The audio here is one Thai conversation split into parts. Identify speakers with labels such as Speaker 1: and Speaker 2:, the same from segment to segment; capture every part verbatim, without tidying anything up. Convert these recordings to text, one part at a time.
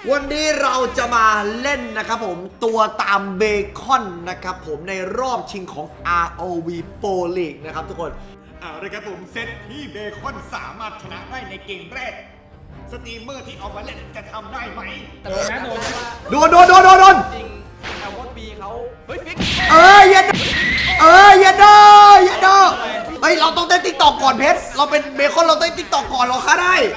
Speaker 1: วันนี้เราจะมาเล่นนะครับผมตัวตามเบคอนนะครับผมในรอบชิงของ อาร์ โอ วี Pro League นะครับทุกคนเอาเลยครับผมเซตที่เบคอนสามารถชนะได้ในเกมแรกสตรีมเมอร์ที่เอามาเล่นจะทำได้ไหมโดนนะโดนโดนโดนโดนโดนจริงแอลวอนบีเขาเฮ้ยฟิกเอ้ยยันเอ้ยยันโดยันโดเฮ้ยเราต้องเต้นติ๊กตอกก่อนเพชรเราเป็นเบคอนเราเต้นติ๊กตอกก่อนเราค่าได้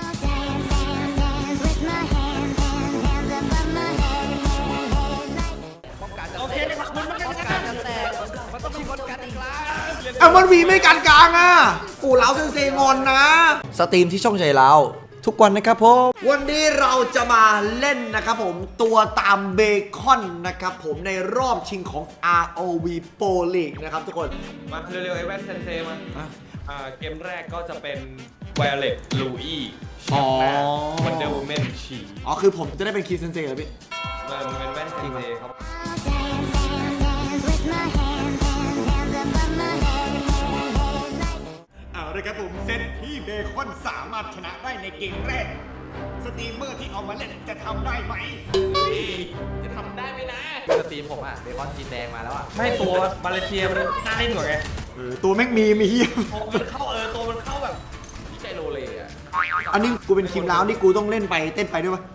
Speaker 1: เอามันวีไม่กันกลางอ่ะกูเล้าเซนเซงอนนะสตรีมที่ช่องใจเราทุกวันนะครับผมวันนี้เราจะมาเล่นนะครับผมตัวตามเบคอนนะครับผมในรอบชิงของ อาร์ โอ วี Pro League นะครับทุกคน
Speaker 2: มาเร็วๆไอ้แว่นเซนเซมาอ่าเกมแรกก็จะเป็นไวโอเลตลูอี้
Speaker 1: อ๋อ
Speaker 2: วันเดอร์วูแมนฉี
Speaker 1: อ๋อคือผมจะได้เป็นคีเซนเซเหรอพี่
Speaker 2: มันเป็นแว่นเซนเซครับ
Speaker 1: เอาเลยครับผมเซตที่เบคอนสามารถชนะได้ในเกมแรกสตรีมเมอร์ที่เอามาเล่นจะทำได้ไหม
Speaker 2: จะทำได้ไหมนะ
Speaker 3: สตรีมผมอะเบคอนจีนแดงมาแล้วอะ
Speaker 2: ไม่ตัวมาเลเซียมันน่าเล่นกว่าไง
Speaker 1: เออตัวแม่งมีมีเฮีย
Speaker 2: มันเข้าเออตัวมันเข้าแบบ
Speaker 3: พี่ใจโรเลอะ
Speaker 1: อันนี้กูเป็นคิมแล้วนี่กูต้องเล่นไปเต้นไปด้วยปะ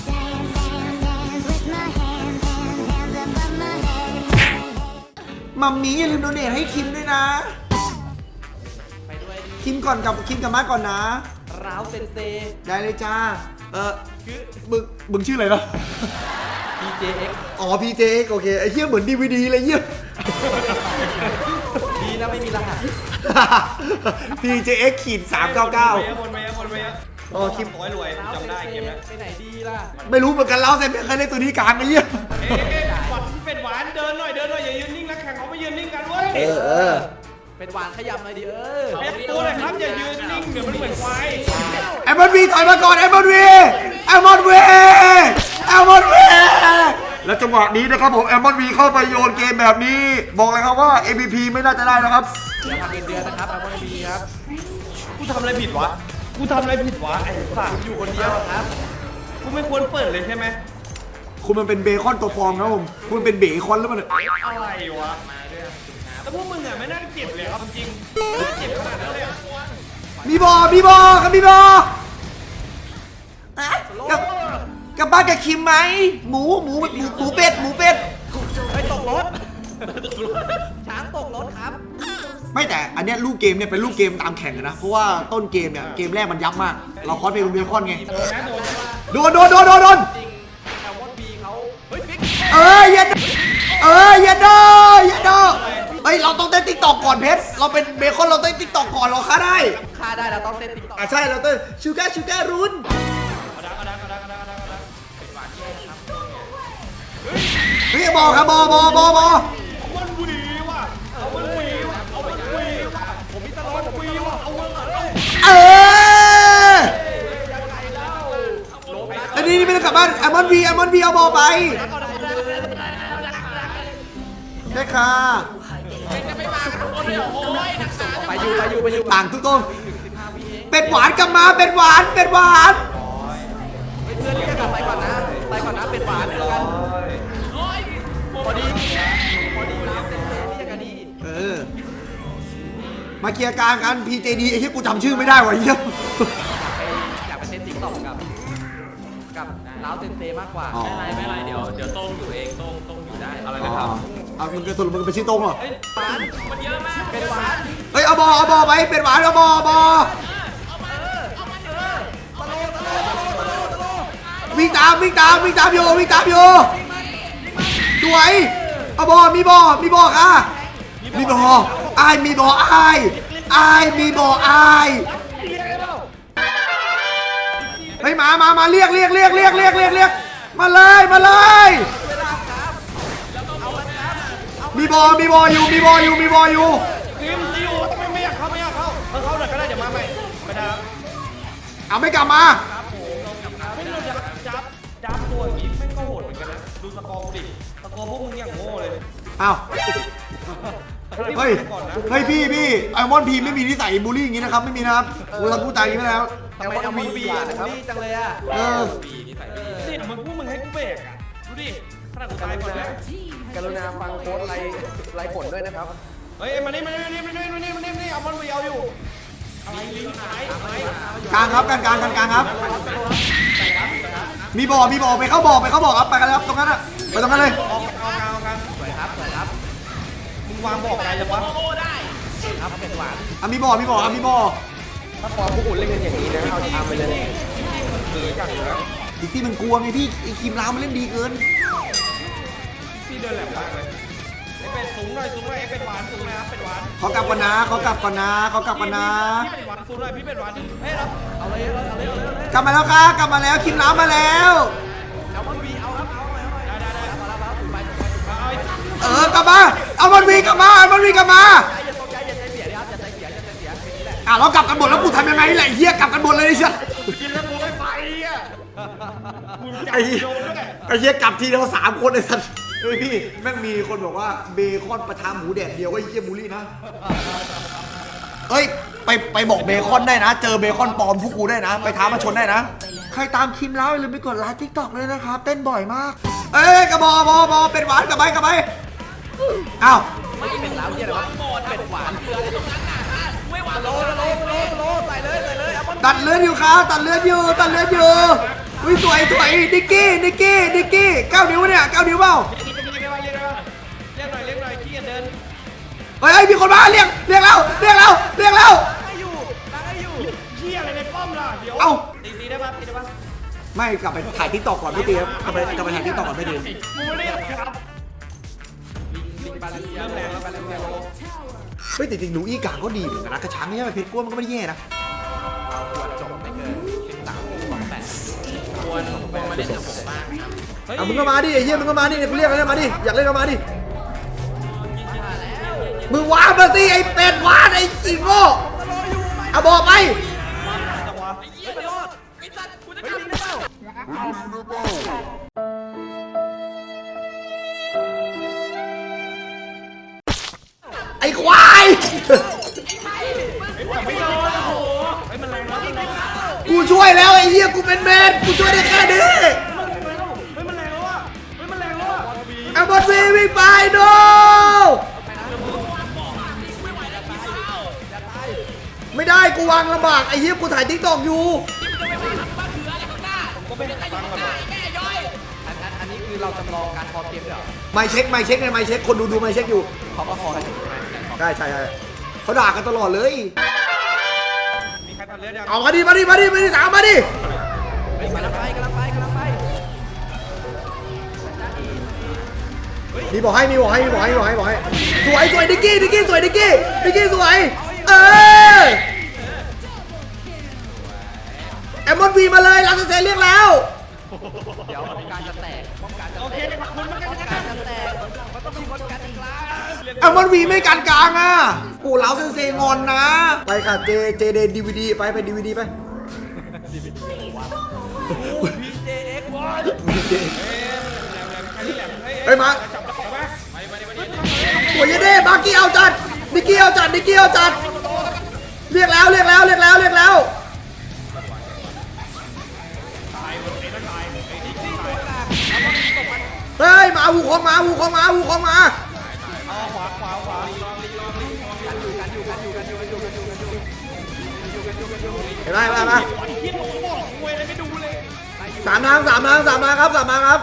Speaker 1: มัมมี่อย่าลืมโดเนทให้คิมด้วยนะ
Speaker 3: ไปด้วย
Speaker 1: คิมก่อนกับคิมกับมาก่อนนะ
Speaker 3: ร้าวเซนเซ
Speaker 1: ได้เลยจ้าเออคือมึงมึงชื่ออะไรนะ
Speaker 3: พี เจ เอ็กซ์
Speaker 1: อ๋อ พี เจ เอ็กซ์ โอเคไอ้เหี้ยเหมือน ดี วี ดี เลยเหี้ย
Speaker 3: ดีนะไม่มีรหัส
Speaker 1: พี เจ เอ็กซ์ ขีดสามเก้าเก้า
Speaker 2: วนไปวนไป
Speaker 1: โอ้คิม
Speaker 2: รวยรวยจำได้เกมนี้
Speaker 3: ไปไหนดีล่ะ
Speaker 1: ไม่รู้เหมือนกันแล้วแต่ไม่เคยเล่นตัวนี้กลางไอ้เหี้ย
Speaker 2: เอ๊ะหวานเป็ดหวานเดินหน่อยเดินหน่อยอย่ายืนนิ่งนะแข่งเขาไม่ยืนนิ่งกันเว้ย
Speaker 1: เออเออ
Speaker 3: เป็นหวานขยับหน่อยดิเออ
Speaker 2: เอ๊ะตัวเลยครับอย่ายืนนิ่งเดี๋ยวมันเหมือนควาย
Speaker 1: แอมบอนวีถอยมาก่อนแอมบอนวีแอมบอนวีแอมบอนวีแล้วจังหวะนี้นะครับผมแอมบอนวีเข้าไปโยนเกมแบบนี้บอกเลยครับว่า เอ็ม วี พี ไม่น่าจะได้นะครับ
Speaker 3: เดี๋ยวทำเงินเดือนนะครับแอมบอนวีครับ
Speaker 2: กูทำอะไรผิดวะกูทำอะไรผิดวะไอ้สัตว์
Speaker 3: อยู่คนเดียวครับ
Speaker 2: กูไม่ควรเปิดเลยใช่ไหม
Speaker 1: คุณมันเป็นเบคอนตัวฟองครับผมคุณเป็นเบคอนแล้วมัน
Speaker 2: อะไรวะแล้วพวกมึงอ่ะไม่น่าเจ็บเลยครับจริงไม่น่าเจ็บขนาดนั้นเลย
Speaker 1: มีบอมีบอครับมีบอกับกับบ้านกับคิมไหมหมูหมูหมูหมูเป็ดหมูเป็ด
Speaker 3: ไปตกรถช้างตกรถครับ
Speaker 1: ไม่แต่อันเนี้ยลูกเกมเนี่ยเป็นลูกเกมตามแข่งนะเพราะว่าต้นเกมเนี่ยเกมแรกมันยับมากเราคอสเป็นเบคอนไงโดนโดนโดนโดนโดน
Speaker 3: แอลวอนบีเขาเฮ้ยฟิก
Speaker 1: เอ้ยยันเอ้ยยันโดยันโดเฮ้ยเราต้องเต้นติ๊กตอกก่อนเพชรเราเป็นเบคอนเราเต้นติ๊กตอกก่อนเราค่าได้
Speaker 3: ค่าได้เราต้องเต้นติ๊กตอก
Speaker 1: อ่ะใช่เราเต้นชูก้าชูก้ารุนเฮ้ยบอครับบอบอบอบอ
Speaker 2: มันวีว่ะเอามันวีว่ะเอามันวีว่ะผมมีตลอดวีว่ะเอามัน
Speaker 1: เอออันนี้นี่ไม่ได้กลับบ้านแอมอนวีแอมอนวีเอาบอไปได้ค่ะ
Speaker 3: ไปอยู่ไปอยู่ไปอยู่
Speaker 1: ต่างทุกตรงเป็ดหวานกลับมาเป็ดหวานเป็ดหวาน
Speaker 3: เพื่อนเรียกกลับไปก่อนนะไปก่อนนะเป็ดหวานเดี๋ยวกันพอดีพอดีน้ำเต็มเลยเรียกกันดี
Speaker 1: เออมาเคลียร์การกัน พี เจ ดี ไอ้ที่กูจำชื่อไม่ได้ว่ะเยี่ยม
Speaker 3: อยากไปเต้นติ๊กต็อกกับกับล้าวเซนเซมากกว่า
Speaker 2: ไม่ไรไม่ไรเดี๋ยวเดี๋ยวต้งอยู่เองต้งต้งอยู่ได้อะไรนะครับ
Speaker 1: อ่ะมึงจะสรุปมึงเป็นชื่อต้งเหรอ
Speaker 3: หวานมันเยอะมากเป็นหวาน
Speaker 1: เฮ้ยเอาบอเอาบอไปเป็นหวานเอาบอเอาบอวิ่งตามวิ่งตามวิ่งตามอยู่วิ่งตามอยู่สวยเอาบอมีบอมีบอค่ะมีบอไอมีบอไอไอมีบอไอเฮ้ยมามามาเรียกเรียกเรียกเรียกเรียกเรียกเรียกมาเลยมาเลยมีบอมีบออยู่มีบออยู่มีบออยู่
Speaker 2: ทีมที่อยู่ทำไมไม่อยากเข้าไม่อยากเข้าเออเข้าหน่อยก็ได้เดี๋ยวมาใหม่ไปทาง
Speaker 1: เอาไม่กลับมา
Speaker 2: ไม่รู้จะจับจับตัวอย่างนี้ไม่ก็โหดเหมือนกันนะดูสกอร์กูดิสกอร์พวกมึงอย่างโง่เลย
Speaker 1: อ้าวเฮ้ยเฮ้ยพี่พี่ไอมอนพีไม่มีนิสัยบูลลี่อย่างนี้นะครับไม่มีนะครับเราพูดตายอย่างนี้แล้ว
Speaker 3: ทำไมเอาบีบีบูลลี่จังเลยอ่ะ
Speaker 1: เออ
Speaker 2: บีนิสัยดีนาดกูตายก่อนเลย
Speaker 3: กรุณาฟังโค้ดไรไรผลด้วยนะครับ
Speaker 2: เฮ้ยมานี่มานี่มานี่มานี่มานี่มานี่มานี่เอามันไปเอาอยู่อะไรลิงหายหาย
Speaker 1: กลางครับกลางกลางกลางกลางครับ มีบ่อมีบ่อไปเข้าบ่อไปเข้าบ่อครับไปกันครับตรงนั้นอะไปตรงนั้นเลย
Speaker 2: ออกเอาเอากัน
Speaker 3: สวยครับสวยครับ
Speaker 2: มึงวางบอกอะไรจังวะ
Speaker 3: ครับเป็นหวาน
Speaker 1: อ่ะมีบ่อมีบ่ออ่ะมีบ่อ
Speaker 3: ถ้าฟอร์มพวกคุณเล่นกันอย่างนี้นะเอาทำไปเลย
Speaker 2: คืออย่างนะ
Speaker 1: อีกที่มันกลัวไงพี่ไอ้คิมลาวมันเล่นดีเกิน
Speaker 2: พี่เดินแหลมมากเลยไอ้เป็ดสูงหน่อยสูงหน่อยไอ้เป็ดหวานสูงหน่อยครับเป็ดหวาน
Speaker 1: เขากลับก่อนนะเขากลับก่อนนะเขากลับก่อนนะ
Speaker 2: พี่เป็ดหวานสูงหน่อยพี่เป็ดหวานเฮ้ยครับ
Speaker 3: เอาเลยเอาเลยเอาเลยเอาเลย
Speaker 1: กลับมาแล้วครับกลับมาแล้วคิมลาวมาแล้ว
Speaker 3: เอามันวีเอาครับเอาเอาเอา
Speaker 2: ได้ได้ได้
Speaker 3: เอาละครับถูกไปถูกไปถูกไป
Speaker 2: เอาไอ้
Speaker 1: เออกลับมาเอามันวีกลับมาเอามันวีกลับมา
Speaker 3: อย่าตกใจอย่าใจเสียนะครับอย่าใจเสียอย่าใจเสียแค่นี้แหละ
Speaker 1: อ่ะเรากลับกันหมดแล้วกูทำยังไงแหละไอ้เฮียกลับกันหมดเลยไอ้เชี่ย
Speaker 2: กินแล้วกูไม่ไปอ่ะมึงจับ
Speaker 1: ไอ้เหี้ย
Speaker 2: โยนด้วย
Speaker 1: ไอ้เฮียกลับทีเดียวสามคนไอ้สัสเฮ้ยพี่แม่งมีคนบอกว่าเบคอนประทามหมูแดดเดียวก็ไอ้เฮียบูลลี่นะเอ้ยไปไปบอกเบคอนได้นะ เจอเบคอนปลอมพวกกูได้นะ ไปท้ามาชนได้นะ ใครตามคิมแล้วอย่าลืมไปกดไลค์ทิกตอกเลยนะครับเต้นบ่อยมากเอ้ยกระบอกบอบอเป็นหวานกลับไปกลับไปอ้าว
Speaker 3: ไม่เป็นแล้วเนี่ยนะครับเป็นหวานไม่หวานโลโลโลโลใส่เลยใส่เลยเอามัน
Speaker 1: ตัดเลือดอยู่ครับตัดเลือดอยู่ตัดเลือดอยู่วิสวยสวยนิกกี้นิกกี้นิกกี้เก้านิ้วเนี่ยเก้านิ้วเปล่า
Speaker 2: เรียกได้ว่าเรียกได้ว่าเรียกหน่อยเรียกหน่อยขี้เดิน
Speaker 1: เฮ้ยมีคนมาเรียกเรียกแล้วเรียกแล้วเรียกแล้ว
Speaker 3: ให้อยู่ตั้งให้อยู่
Speaker 2: ขี้อะไรในป้อมล่ะเดี๋ยว
Speaker 1: เอ้า
Speaker 2: ตีตีได้ปะตีได้ปะ
Speaker 1: ไม่กลับไปถ่ายทิกตอกก่อนไม่ตีครับกลับไปกลับไปถ่ายทิกตอกก่อนไม่ตี
Speaker 2: กูไม่ได้ครับ
Speaker 3: ลิงบาลานซ์
Speaker 2: เริ่มแรงแล้วไปแล้วแรงแล้ว
Speaker 1: เฮ้ยแต่จริงๆหนูอีกางก็ดีเหมือนกันนะกระชังเนี่ยมันเพชรกล้วยมันก็ไม่ได้แย่นะ
Speaker 3: เราควรจบไม่เกินสิบสามสองแปด
Speaker 2: ควรควรมาเล่นกับผมบ้างครับเฮ้ย
Speaker 1: อ่ะมึงก็มาดิไอ้เหี้ยมึงก็มาดิกูเรียกอะไรมาดิอยากเล่นก็มาดิมึงว้ามาสิไอ้เป็ดว้าไอ้จิโง่เอาบอกไป
Speaker 2: จังหวะ
Speaker 3: ไปรอดไอ้สัตว์กูจะกลับได้แล้ว
Speaker 1: ไอ้ควาย
Speaker 2: ไม่โดนโอ้โหเฮ้ยมันแรงแล้วมันแรงแล้ว
Speaker 1: กูช่วยแล้วไอ้เหี้ยกูเป็นเมนกูช่วยได้แค่นี้
Speaker 2: เฮ้ยมันแรงแล้วอ่ะเฮ้ยมันแรงแล้วอ่ะ
Speaker 1: เอาบอลวีวิ่งไปโนไม่ได้กูวางลำบากไอ้เหี้ยกูถ่ายทิกตอกอยู่
Speaker 2: ก็ไม่ได้ฟังกันหรอก
Speaker 3: อันอันอันนี้คือเราจำลองการพอเกมด้วยเหรอ
Speaker 1: ไม่เช็คไม่เช็คไงไม่เช็คคนดูดูไม่เช็คอยู่
Speaker 3: เขาก็พอกันอยู่ใช่ไหม
Speaker 1: ใช่ใช่ใช่เขาด่ากันตลอดเลย
Speaker 2: มีใครตัดเลือดยัง
Speaker 1: เอามาดิมาดิมาดิมาดิสามมาดิ
Speaker 3: เฮ้ยกำลังไปกำลังไปกำลังไป
Speaker 1: มีบอกให้มีบอกให้มีบอกให้มีบอกให้บอกให้สวยสวยดิกกี้ดิกกี้สวยดิกกี้ดิกกี้สวยเออแอมมอนวีมาเลยลาสเซนเรียกแล้ว
Speaker 3: เดี๋ยวป้องกันจะแตกป้องกันจะ
Speaker 2: โอ
Speaker 3: แต
Speaker 2: เค
Speaker 3: ก
Speaker 2: ขอบคุณมาก
Speaker 3: ป้อง
Speaker 2: นะค
Speaker 3: กั
Speaker 2: รั
Speaker 3: น
Speaker 2: บ
Speaker 3: จะแตกมันต้องมีคนกันอีกแล้ว
Speaker 1: แอมมอนวีไม่การกลางอ่ะกูเล้าเซนเซงอนนะไปค่ะเจเจเดดีวีดีไปไปดีวีดีไป
Speaker 3: พีเจเอ็กซ์วอน
Speaker 1: เจ
Speaker 2: ใครที่แหลมเฮ้ย
Speaker 1: เฮ้ยมา
Speaker 2: จับได้ไหมไปไปไปไป
Speaker 1: สวยเด้บาร์กี้เอาจัดดิกกี้เอาจัดดิกกี้เอาจัดเรียกแล้วเรียกแล้วเรียกแล้วเรียกแล้ว
Speaker 2: ตายหมดเลยนะตายไอ้ที่ที่ตาย
Speaker 1: เฮ้ยมาหูของมาหูของมาหูของมา
Speaker 2: เอาขวาขวาขวา
Speaker 1: เห็นไหมมามา
Speaker 2: ไอ้ที่ผมบอกคุยอะไรไม่ดูเลย
Speaker 1: สามทางสามทางสามทางครับสามทางครับ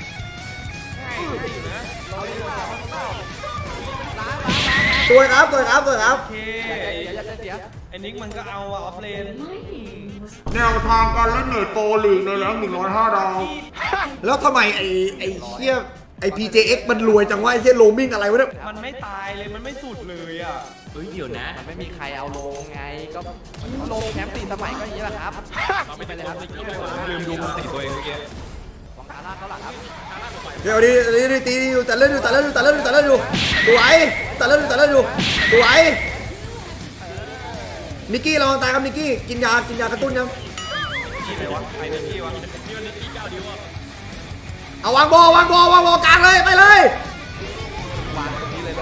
Speaker 1: สวยครับสวยครับสวยครับ
Speaker 2: โอเค
Speaker 3: อย่าใจเสีย
Speaker 2: ไอ้นิกมันก็เอาออฟเลน
Speaker 1: แนวทางการเล่นเนตโปรลีกในแรงหนึ่งร้อยห้าดาวแล้วทำไมไอ้ไอ้เหี้ยไอ้ พี เจ เอ็กซ์ มันรวยจังวะไอ้เหี้ยโรมมิ่งอะไรวะเนี่ย
Speaker 2: มันไม่ตายเลยมันไม่สุดเลยอ่ะ
Speaker 3: เฮ้ยเดี๋ยวนะมันไม่มีใครเอาลงไงก็ลงแชมป์สี่สมัยก็อย่างนี้แหละครับไม่เป็นไรครับ
Speaker 2: ลืมดูมันติตัวเองเมื่อกี้
Speaker 3: ของคาร่าเขาหลักครับ
Speaker 1: เดี๋ยวดิดิดิตีอยู่แต่เล่นอยู่แต่เล่นอยู่แต่เล่นอยู่แต่เล่นอยู่สวยแต่เล่นอยู่แต่เล่นอยู่สวยนิกกี้ลองตายครับนิกกี้กินยากินยากระตุ้นยัง
Speaker 2: กี่ไปวะไอ้นิกกี้วะนี่มันนิกกี้เก้าดิวอ่ะ
Speaker 1: เอาวางบอวางบอวางบอกลางเลยไปเลยว
Speaker 3: างตรงนี้เลยแบบ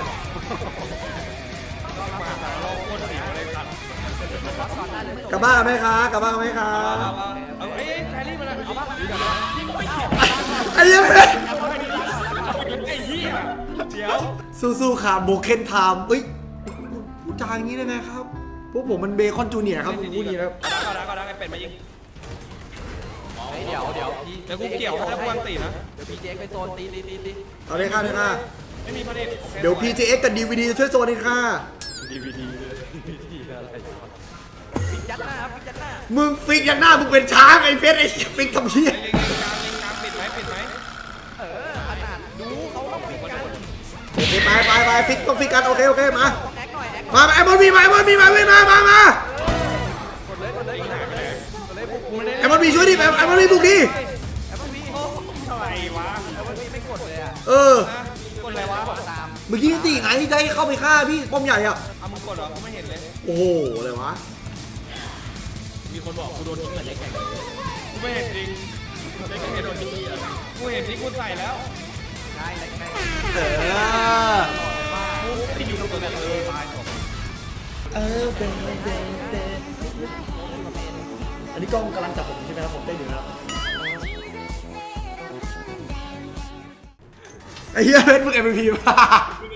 Speaker 2: เราโคตรเสียวเลยครับ
Speaker 1: กลับบ้านกันไหมคะกลับบ้านกันไหมคะ
Speaker 2: เอาไอ้แครี่มันเอาบ้าง
Speaker 1: ไอ้เหี้ยังไม่ได้สู้ๆค่ะโบเคนไทม์เอ้ยพูดจาอย่างนี้ได้ไหมครับพวกผมมันเบคอนจูเนียร์ครับพูดอย่างนี้นะครับ
Speaker 2: ก็ได้ก็ได้ก็ได้ไอ้เป็ดมายิง
Speaker 3: เฮ้ยเดี๋ยวเดี๋ยวพี่
Speaker 2: เดี๋ยวกูเกี่ยวให้กูอันตีนะ
Speaker 3: เดี๋ยวพี่เจ๊ไปโซนตีตีตีตี
Speaker 1: เอาเลยค่ะเลยค่ะ
Speaker 2: ไม่มีประเด็น
Speaker 1: เดี๋ยว พี จี เอ็กซ์ กับ ดี วี ดี ช่วยโซนเองค่ะ
Speaker 2: ดีวีดีเลยดีวีดีอะไร
Speaker 3: ฟิกยัดหน้าครับฟิกยัดหน้า
Speaker 1: มึงฟิกอย่างหน้ามึงเป็นช้างไอ้เพชรไอ้ฟิกทำเพี้ย
Speaker 2: เล็งกลางเล็งกลางปิดไหมปิดไหม
Speaker 3: เออขนาดดูเขาต้องฟิกกัน
Speaker 1: โอเคไปไปไปฟิกต้องฟิกกันโอเคโอเคมา
Speaker 3: แอคหน่อยแอค
Speaker 1: มาไอ้บอลมีมาไอ้บอลมีมาวิ่งมามามา
Speaker 3: กดเลยกดเลยกดเลยกดเลยบุกบุก
Speaker 1: ไอ้บอลมีช่วยดิไอ้ไอ้บอลมีบุกดิ
Speaker 3: แอปเปิ้ลพี
Speaker 2: อะไรวะ
Speaker 3: แอปเปิ้ลพีไม่กดเลยอ่ะ
Speaker 1: เออ
Speaker 2: นะกดอะไรวะ
Speaker 3: กดตาม
Speaker 1: เมื่อกี้ตีไงจะให้เข้าไปฆ่าพี่ป้อมใหญ่อะ
Speaker 2: เอามึงกดเหรอกูไม่เห็นเลย
Speaker 1: โอ้โหอะไรวะ
Speaker 2: มีคนบอกกูโดนทิ้งเหมือนเล็กแข่งกูไม่เห็นจริงเล็กแข่งโดนทิ้งกูเห็นที่กูใส่แล้ว
Speaker 3: ใช่ใช่ใช่
Speaker 1: เออ
Speaker 2: กูที่อยู่ตรงนี้เออตาย
Speaker 1: เออเบนเบนเบนอันนี้กล้องกำลังจับผมใช่ไหมครับผมได้ดูแล้วไอ้เหี้ยเพชรมึง เอ็ม วี พี ป่ะ